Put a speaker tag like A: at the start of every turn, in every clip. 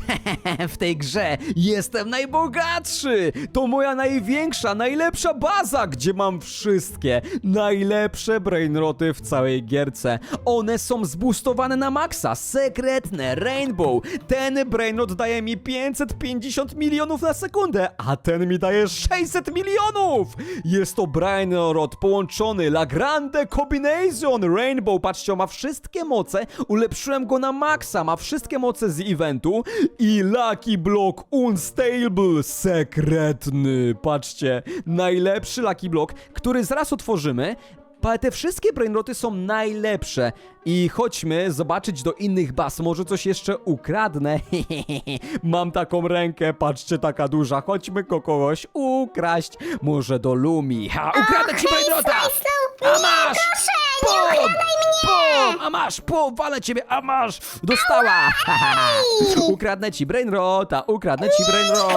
A: W tej grze jestem najbogatszy! To moja największa, najlepsza baza, gdzie mam wszystkie najlepsze brainroty w całej gierce. One są zboostowane na maksa, sekretne, rainbow. Ten brainrot daje mi 550 milionów na sekundę, a ten mi daje 600 milionów! Jest to brainrot połączony Lagrange Combination Rainbow. Patrzcie, on ma wszystkie moce, ulepszyłem go na maksa, ma wszystkie moce z eventu i Lucky Block Unstable sekretny. Patrzcie, najlepszy Lucky Block, który zaraz otworzymy. Te wszystkie brainroty są najlepsze i chodźmy zobaczyć do innych baz, może coś jeszcze ukradnę. Mam taką rękę, patrzcie, taka duża, chodźmy kogoś ukraść, może do Lumi. Ha, ukradnę ci brainrota! A masz! Pum! Pum! A masz! Pum! Walę ciebie! A masz! Dostała! Ukradnę ci brainrota! Ukradnę ci brainrota!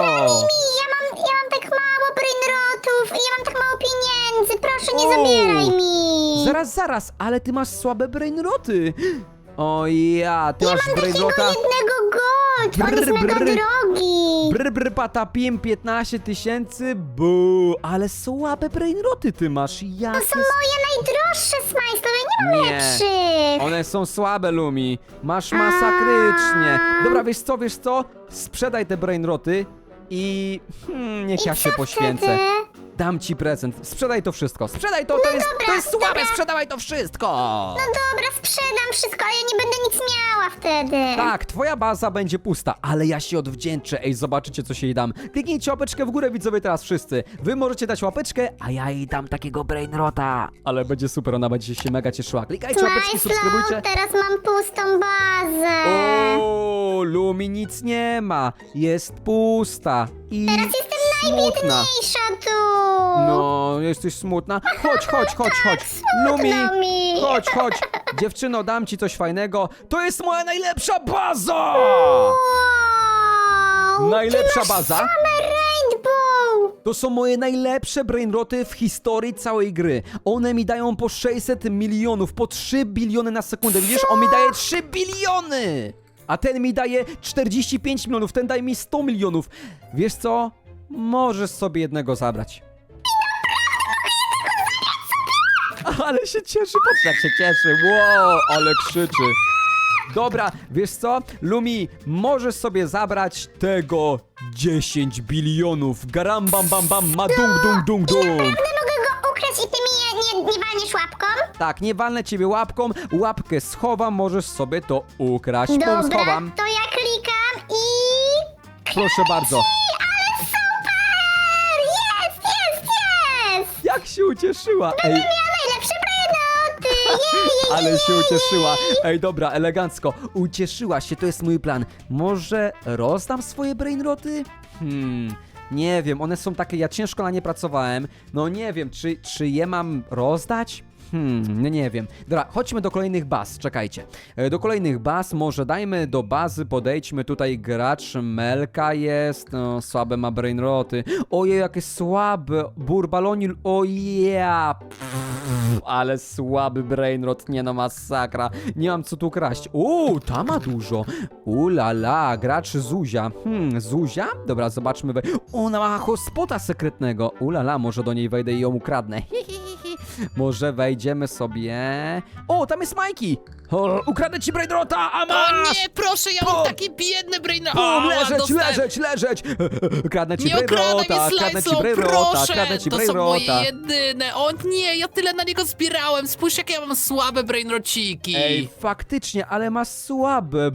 B: Ja mam tak mało brainrotów i ja mam tak mało pieniędzy. Proszę, nie zabieraj mi.
A: Zaraz, ale ty masz słabe brainroty! O ja, ty masz
B: Takiego
A: brainrota...
B: jednego gold. On jest mega drogi.
A: Brr, patapim, 15 tysięcy, bu, ale słabe brainroty ty masz, jakie...
B: To są moje najdroższe smajslowe, nie mam
A: Nie.
B: lepszych.
A: One są słabe, Lumi. Masz masakrycznie. Dobra, wiesz co? Sprzedaj te brainroty i... niech ja się poświęcę.
B: Wtedy?
A: Dam ci prezent. Sprzedaj to wszystko. Sprzedaj to, to jest słabe, sprzedawaj to wszystko.
B: No dobra, sprzedam wszystko, ale ja nie będę nic miała wtedy.
A: Tak, twoja baza będzie pusta, ale ja się odwdzięczę. Ej, zobaczycie, co się jej dam. Kliknijcie łapeczkę w górę, widzowie, teraz wszyscy. Wy możecie dać łapeczkę, a ja jej dam takiego brainrota. Ale będzie super, ona będzie się mega cieszyła. Klikajcie łapeczki, subskrybujcie.
B: Teraz mam pustą bazę.
A: O, Lumi nic nie ma. Jest pusta i
B: Teraz jestem
A: smutna.
B: najbiedniejsza tu.
A: No, jesteś smutna. Chodź. Lumi,
B: smutno mi.
A: chodź. Dziewczyno, dam ci coś fajnego. To jest moja najlepsza baza!
B: Wow,
A: Najlepsza
B: ty masz
A: baza?
B: same rainbow.
A: To są moje najlepsze brainroty w historii całej gry. One mi dają po 600 milionów, po 3 biliony na sekundę. Widzisz, on mi daje 3 biliony! A ten mi daje 45 milionów, ten daje mi 100 milionów. Wiesz co? Możesz sobie jednego zabrać. Ale się cieszy, patrz jak się cieszy. Wow, ale krzyczy. Dobra, wiesz co? Lumi, możesz sobie zabrać tego 10 bilionów. Garam bam bam bam, ma dung.
B: Naprawdę mogę go ukraść i ty mi nie walniesz łapką?
A: Tak, nie walnę ciebie łapką, łapkę schowam, możesz sobie to ukraść.
B: Dobra,
A: Schowam.
B: to ja klikam i...
A: Proszę bardzo.
B: Ale super! Jest!
A: Jak się ucieszyła. Ej,
B: Ja najlepsze brainoty! Jej!
A: ale się ucieszyła. Ej, dobra, elegancko. Ucieszyła się, to jest mój plan. Może rozdam swoje brainroty? Nie wiem, one są takie, ja ciężko na nie pracowałem. No nie wiem, czy je mam rozdać? No nie wiem. Dobra, chodźmy do kolejnych baz, czekajcie. Do kolejnych baz, może dajmy do bazy, podejdźmy tutaj, gracz Melka jest, no słabe ma brainroty. Ojej, jakie słabe, burbalonil, oja. Ale słaby brainrot, nie no, masakra. Nie mam co tu kraść. Ta ma dużo. La, gracz Zuzia. Zuzia? Dobra, zobaczmy. Ona ma hotspota sekretnego. La, może do niej wejdę i ją ukradnę. Może wejdziemy sobie. Tam jest Majki. Ukradnę ci brainrota, a
C: O
A: masz!
C: nie, proszę, ja mam taki biedny brainrot.
A: Leżeć! Kradnę ci
C: Nie okradaj
A: brainrota,
C: mnie
A: kradnę ci
C: Slice'ą,
A: brainrota,
C: proszę!
A: kradnę ci
C: To są moje
A: brainrota.
C: jedyne. O nie, ja tyle na niego zbierałem. Spójrz, jakie ja mam słabe brainrociki.
A: Ej, faktycznie, ale ma słabe.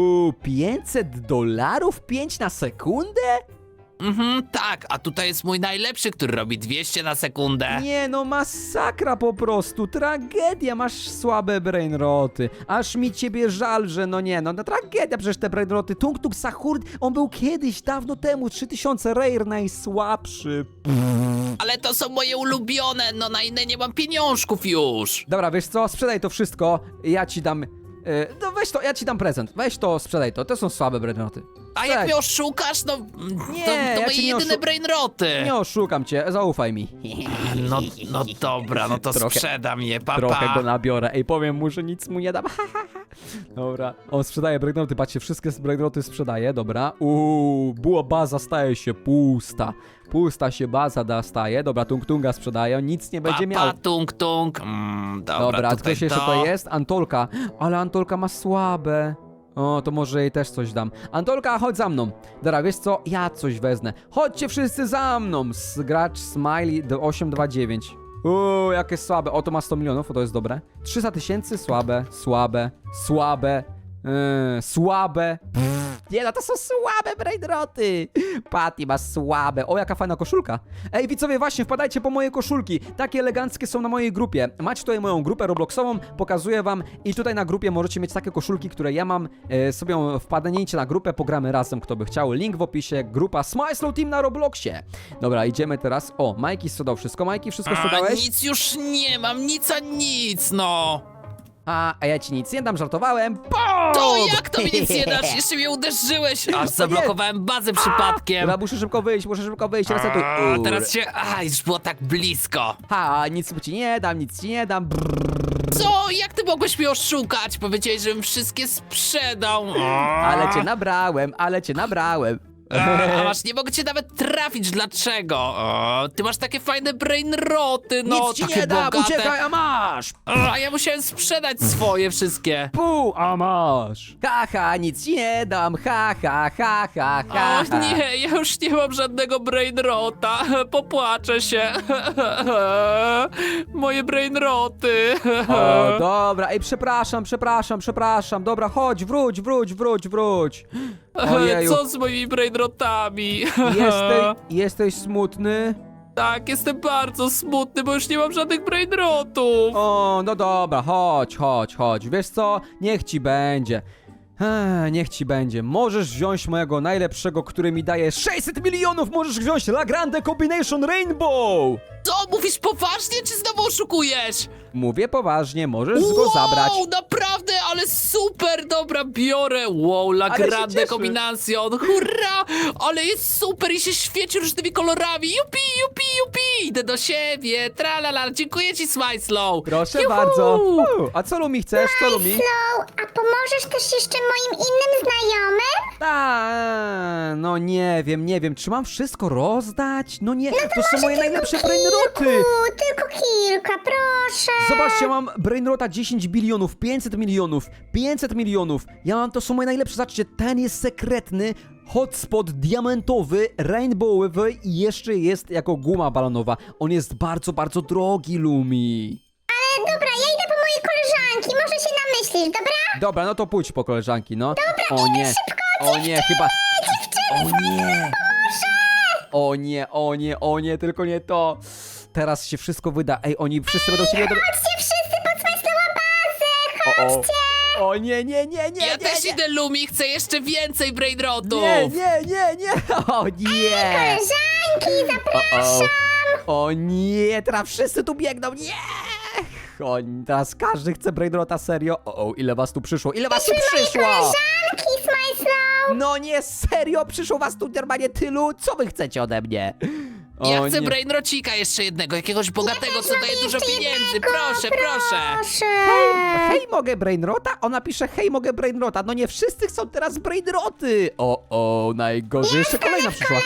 A: $500? 5 na sekundę?
C: Tak, a tutaj jest mój najlepszy, który robi 200 na sekundę.
A: Nie no, masakra po prostu, tragedia, masz słabe brainroty. Aż mi ciebie żal, że no tragedia, przecież te brainroty. Tung Tung Sahur, on był kiedyś, dawno temu, 3000 rare, najsłabszy.
C: Ale to są moje ulubione, no na inne nie mam pieniążków już.
A: Dobra, wiesz co, sprzedaj to wszystko, ja ci dam... No weź to, ja ci dam prezent, weź to, sprzedaj to są słabe brainroty.
C: A jak mnie oszukasz, no
A: Nie,
C: to
A: ja
C: moje
A: cię nie
C: jedyne brainroty.
A: Nie oszukam cię, zaufaj mi.
C: No dobra, no to
A: Trochę-
C: sprzedam je, papa.
A: Trochę go nabiorę. Ej, powiem mu, że nic mu nie dam. Dobra, on sprzedaje brainroty, patrzcie, wszystkie brainroty sprzedaje, dobra. Była baza staje się pusta. Pusta się baza staje, dobra, Tung-Tunga sprzedaje, on nic nie będzie miał.
C: Tung, tung.
A: Dobra,
C: tutaj
A: ktoś jeszcze to jest? Antolka, ale Antolka ma słabe. O, to może jej też coś dam. Antolka, chodź za mną. Dobra, wiesz co? Ja coś wezmę. Chodźcie wszyscy za mną. Gracz Smiley do 829. Jakie słabe. O, to ma 100 milionów, o, to jest dobre. 300 tysięcy, słabe, słabe, słabe, słabe. Nie no, to są słabe brainroty. Patty ma słabe. O, jaka fajna koszulka. Ej, widzowie, właśnie, wpadajcie po moje koszulki. Takie eleganckie są na mojej grupie. Macie tutaj moją grupę Robloxową, pokazuję wam i tutaj na grupie możecie mieć takie koszulki, które ja mam. Sobie wpadnijcie na grupę, pogramy razem, kto by chciał. Link w opisie, grupa Smile Slow Team na Robloxie. Dobra, idziemy teraz. O, Majki sprzedał wszystko. Majki, wszystko sprzedałeś?
C: Nic już nie mam, nic a nic, no.
A: A ja ci nic nie dam, żartowałem.
C: To jak to mi nic nie dasz? Jeszcze mnie uderzyłeś, aż zablokowałem bazę przypadkiem.
A: Dobra, muszę szybko wyjść, resetuj.
C: A, teraz się... już było tak blisko.
A: Nic ci nie dam, nic ci nie dam.
C: Co? Jak ty mogłeś mnie oszukać? Powiedziałeś, żebym wszystkie sprzedał.
A: Ale cię nabrałem.
C: A masz, nie mogę cię nawet trafić, dlaczego? Ty masz takie fajne brainroty, no,
A: Nic ci
C: takie
A: nie dam,
C: bogate.
A: uciekaj, a masz!
C: A ja musiałem sprzedać swoje wszystkie.
A: A masz! Haha, nic ci nie dam, ha.
C: O nie, ja już nie mam żadnego brainrota. Popłaczę się. Moje brainroty.
A: O, dobra, ej, przepraszam. Dobra, chodź, wróć. Ojeju,
C: Co z moimi brainrotami?
A: jesteś smutny?
C: Tak, jestem bardzo smutny, bo już nie mam żadnych brainrotów.
A: O, no dobra, chodź. Wiesz co? Niech ci będzie. Niech ci będzie. Możesz wziąć mojego najlepszego, który mi daje 600 milionów. Możesz wziąć La Grande Combination Rainbow.
C: Co, mówisz poważnie, czy znowu oszukujesz?
A: Mówię poważnie, możesz go zabrać.
C: Wow, naprawdę, ale super, dobra, biorę. Wow, La
A: Ale się
C: Grande
A: cieszę.
C: Combination, hurra, ale jest super i się świeci różnymi kolorami. Jupi. Idę do siebie, tralala, dziękuję ci, Smile Slow.
A: Proszę
C: Juhu.
A: bardzo. A co Lumi chcesz? Co Lumi?
B: Slow, a pomożesz też jeszcze moim innym znajomym?
A: No nie wiem, czy mam wszystko rozdać? No nie, to są moje najlepsze brainroty.
B: Tylko kilka, proszę.
A: Zobaczcie, mam brainrota 10 bilionów, 500 milionów. To są moje najlepsze, zobaczcie, ten jest sekretny, hotspot diamentowy, rainbowowy i jeszcze jest jako guma balonowa. On jest bardzo, bardzo drogi, Lumi.
B: Ale dobra, ja idę po moje koleżanki, może się namyślisz, dobra?
A: Dobra, no to pójdź po koleżanki, no. O nie, o nie, chyba... O nie, tylko nie to. Teraz się wszystko wyda. Ej, oni wszyscy będą chcieli...
B: Chodźcie wszyscy pod Smajslowa bazę, chodźcie.
A: O nie.
C: Ja też idę, Lumi, chcę jeszcze więcej brainrotów.
A: Nie. O nie.
B: Koleżanki, zapraszam.
A: O nie, teraz wszyscy tu biegną. Nie. Teraz każdy chce brainrota, serio. Ile was tu przyszło?
B: Koleżanki, Smajslow.
A: No nie, serio, przyszło was tu normalnie tylu? Co wy chcecie ode mnie?
C: Ja
A: O
C: chcę
A: nie.
C: brainrocika jeszcze jednego, jakiegoś bogatego, co daje dużo
B: jeszcze
C: pieniędzy.
B: jednego,
C: Proszę.
B: Proszę.
A: Hej, mogę brainrota? Ona pisze, hej, mogę brainrota. No nie wszyscy chcą teraz brainroty. Najgorzej. Jeszcze kolejna przyszła.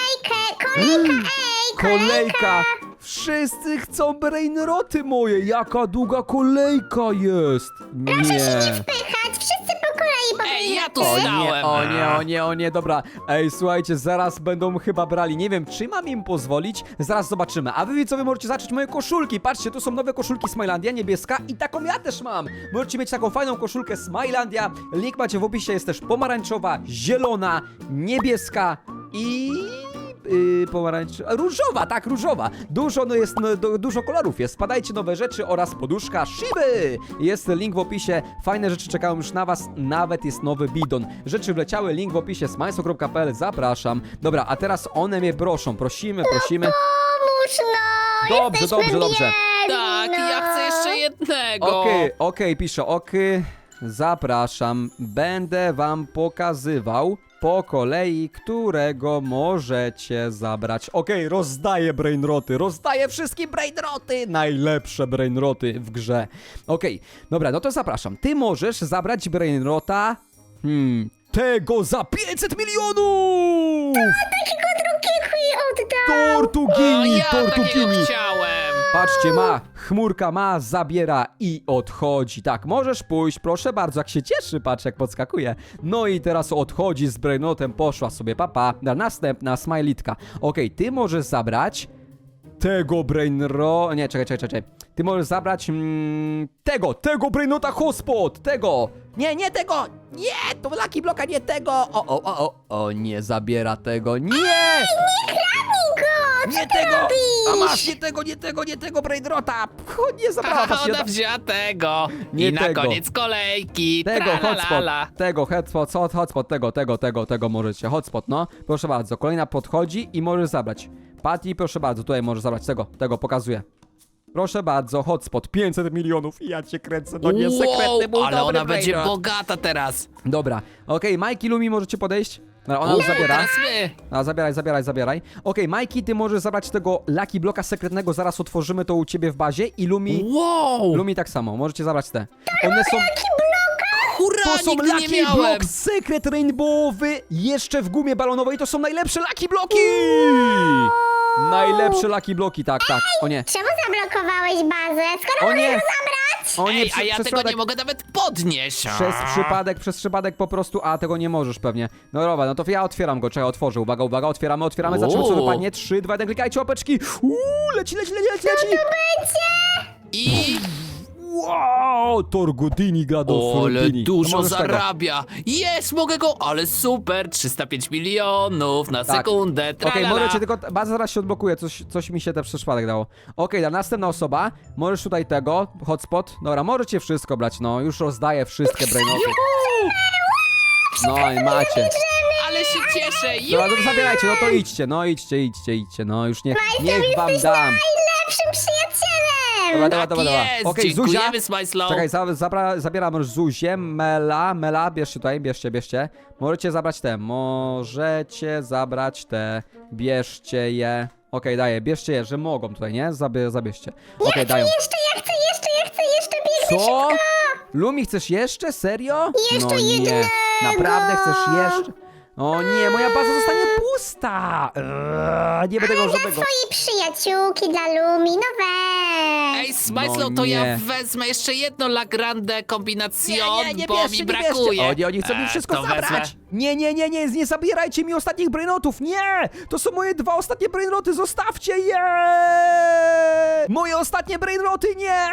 A: Kolejka. Wszyscy chcą brainroty moje. Jaka długa kolejka jest. Nie.
B: Wpychać, wszyscy po kolei
C: Ej, ja tu
B: powinny.
C: stałem.
A: O nie, dobra. Ej, słuchajcie, zaraz będą chyba brali. Nie wiem, czy mam im pozwolić. Zaraz zobaczymy. A wy widzowie możecie zacząć moje koszulki. Patrzcie, tu są nowe koszulki Smilandia, niebieska i taką ja też mam. Możecie mieć taką fajną koszulkę Smilandia. Link macie w opisie, jest też pomarańczowa, zielona, niebieska i... różowa, tak, różowa. Dużo kolorów jest. Spadajcie, nowe rzeczy oraz poduszka Shiby. Jest link w opisie. Fajne rzeczy czekają już na was. Nawet jest nowy bidon. Rzeczy wleciały, link w opisie smajso.pl. Zapraszam. Dobra, a teraz one mnie proszą. Prosimy.
B: Pomóż, no.
A: Dobrze.
B: Biedni,
C: Tak,
B: no.
C: ja chcę jeszcze jednego.
A: Okej, piszę, zapraszam. Będę wam pokazywał. po kolei, którego możecie zabrać. Okej, rozdaję brainroty, rozdaję wszystkie brainroty, najlepsze brainroty w grze. Okej, dobra, no to zapraszam. Ty możesz zabrać brainrota, tego za 500 milionów!
B: Takiego drugiego i oddam.
C: O,
A: Tortugini,
C: ja takiego
A: tortugini.
C: chciałem.
A: Patrzcie, chmurka ma, zabiera i odchodzi. Tak, możesz pójść, proszę bardzo, jak się cieszy, patrz jak podskakuje. No i teraz odchodzi z brainotem, poszła sobie, papa. Następna smajlitka. Okej, ty możesz zabrać tego nie, czekaj. Ty możesz zabrać tego brainota hotspot, tego. Nie tego, nie, to Lucky Bloka, nie tego. O, nie zabiera tego, nie. Nie tego! A masz nie tego brainrota! Nie zabrała was
C: Ona wzięła tego.
A: Nie
C: I na
A: tego.
C: koniec kolejki.
A: tego
C: Tralalala.
A: hotspot, tego możecie. Hotspot, no. Proszę bardzo, kolejna podchodzi i możesz zabrać. Patty, proszę bardzo, tutaj możesz zabrać tego pokazuję. Proszę bardzo, hotspot, 500 milionów. Ja cię kręcę, no nie, sekretny był
C: ale
A: dobry
C: ona będzie
A: brainrot.
C: bogata teraz.
A: Dobra, okej, Majki, Lumi, możecie podejść? No, ona już zabiera.
C: Teraz my.
A: A, zabieraj. Okej, Majki, ty możesz zabrać tego Lucky Bloka sekretnego, zaraz otworzymy to u ciebie w bazie i Lumi tak samo, możecie zabrać te. One są...
C: Hurra,
A: To są
C: nigdy nie
A: Lucky
C: miałem.
A: Block Secret Rainbowy, jeszcze w gumie balonowej, to są najlepsze Lucky Bloki! Najlepsze Lucky Bloki, tak. O nie.
B: Czemu zablokowałeś bazę? Skoro
A: O
B: mogę
A: nie.
B: go zabrać?
A: O nie,
C: Ej, a ja
A: przez
C: tego
A: przypadek,
C: nie mogę nawet podnieść.
A: przez przypadek po prostu, a tego nie możesz pewnie. No dobra, no to ja otwieram go, czekaj, otworzę, uwaga, otwieramy, zobaczymy co wypadnie. 3, 2, 1, klikajcie łapeczki. Leci.
C: I...
A: Wow, Torgudini gra do
C: Ale
A: Frutini.
C: dużo
A: No możesz tego.
C: zarabia. Jest, mogę go, ale super. 305 milionów na
A: Tak.
C: sekundę.
A: Okej,
C: Tralala.
A: możecie tylko, baza zaraz się odblokuje, coś mi się te przez przypadek dało. Okej, następna osoba, możesz tutaj tego, hotspot, dobra, możecie wszystko brać, no, już rozdaję wszystkie brainoty. No i macie.
C: Ale się cieszę.
A: Dobra, no to zabierajcie, no to idźcie, no już niech wam dam.
B: Najlepszym przyjacielem.
A: Dobra.
C: Jest,
A: Okej, Zuzia.
C: dziękujemy, Smajslow.
A: Czekaj, zabieram już Zuzię, Mela, bierzcie tutaj, bierzcie. Możecie zabrać te, bierzcie je. Okej, daję, bierzcie je, że mogą tutaj, nie? Zabierzcie. Okej, dają.
B: Ja chcę jeszcze biegnę.
A: Co? Lumi, chcesz jeszcze? Serio?
B: Jeszcze
A: no nie.
B: jednego.
A: Naprawdę chcesz jeszcze? O nie, moja baza zostanie pusta. Nie będę go żadnego.
B: Twojej przyjaciółki dla Lumi, no weź.
C: Ej, Smajslow,
A: No
C: to
A: nie.
C: ja wezmę jeszcze jedno La Grande Combinación,
A: Nie
C: bo mi brakuje.
A: Oni chcą mi wszystko
C: to
A: zabrać.
C: wezmę.
A: Nie zabierajcie mi ostatnich brainrotów. Nie! To są moje 2 ostatnie brainroty, zostawcie je! Moje ostatnie brainroty, nie!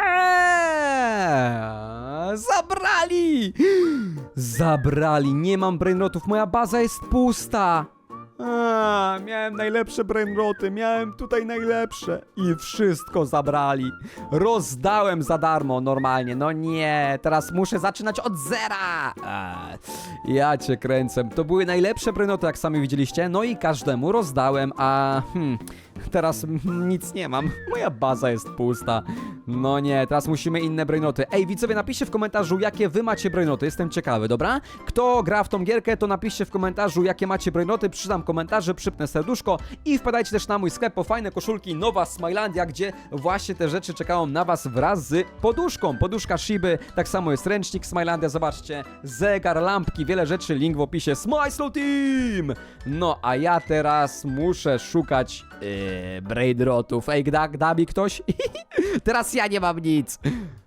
A: Zabrali, nie mam brainrotów, moja baza jest pusta. Miałem najlepsze brainroty, miałem tutaj najlepsze i wszystko zabrali. Rozdałem za darmo normalnie, no nie, teraz muszę zaczynać od zera. Ja cię kręcę, to były najlepsze brainroty, jak sami widzieliście, no i każdemu rozdałem, a teraz nic nie mam, moja baza jest pusta. No nie, teraz musimy inne brainoty. Ej, widzowie, napiszcie w komentarzu, jakie wy macie brainoty, jestem ciekawy, dobra? Kto gra w tą gierkę, to napiszcie w komentarzu, jakie macie brainoty, przeczytam komentarze, przypnę serduszko i wpadajcie też na mój sklep po fajne koszulki Nowa Smilandia, gdzie właśnie te rzeczy czekają na was wraz z poduszką. Poduszka Shiby, tak samo jest ręcznik Smilandia, zobaczcie, zegar, lampki, wiele rzeczy, link w opisie. Smajslow Team! No, a ja teraz muszę szukać brainrotów. Ej, da mi ktoś? Teraz ja nie mam nic.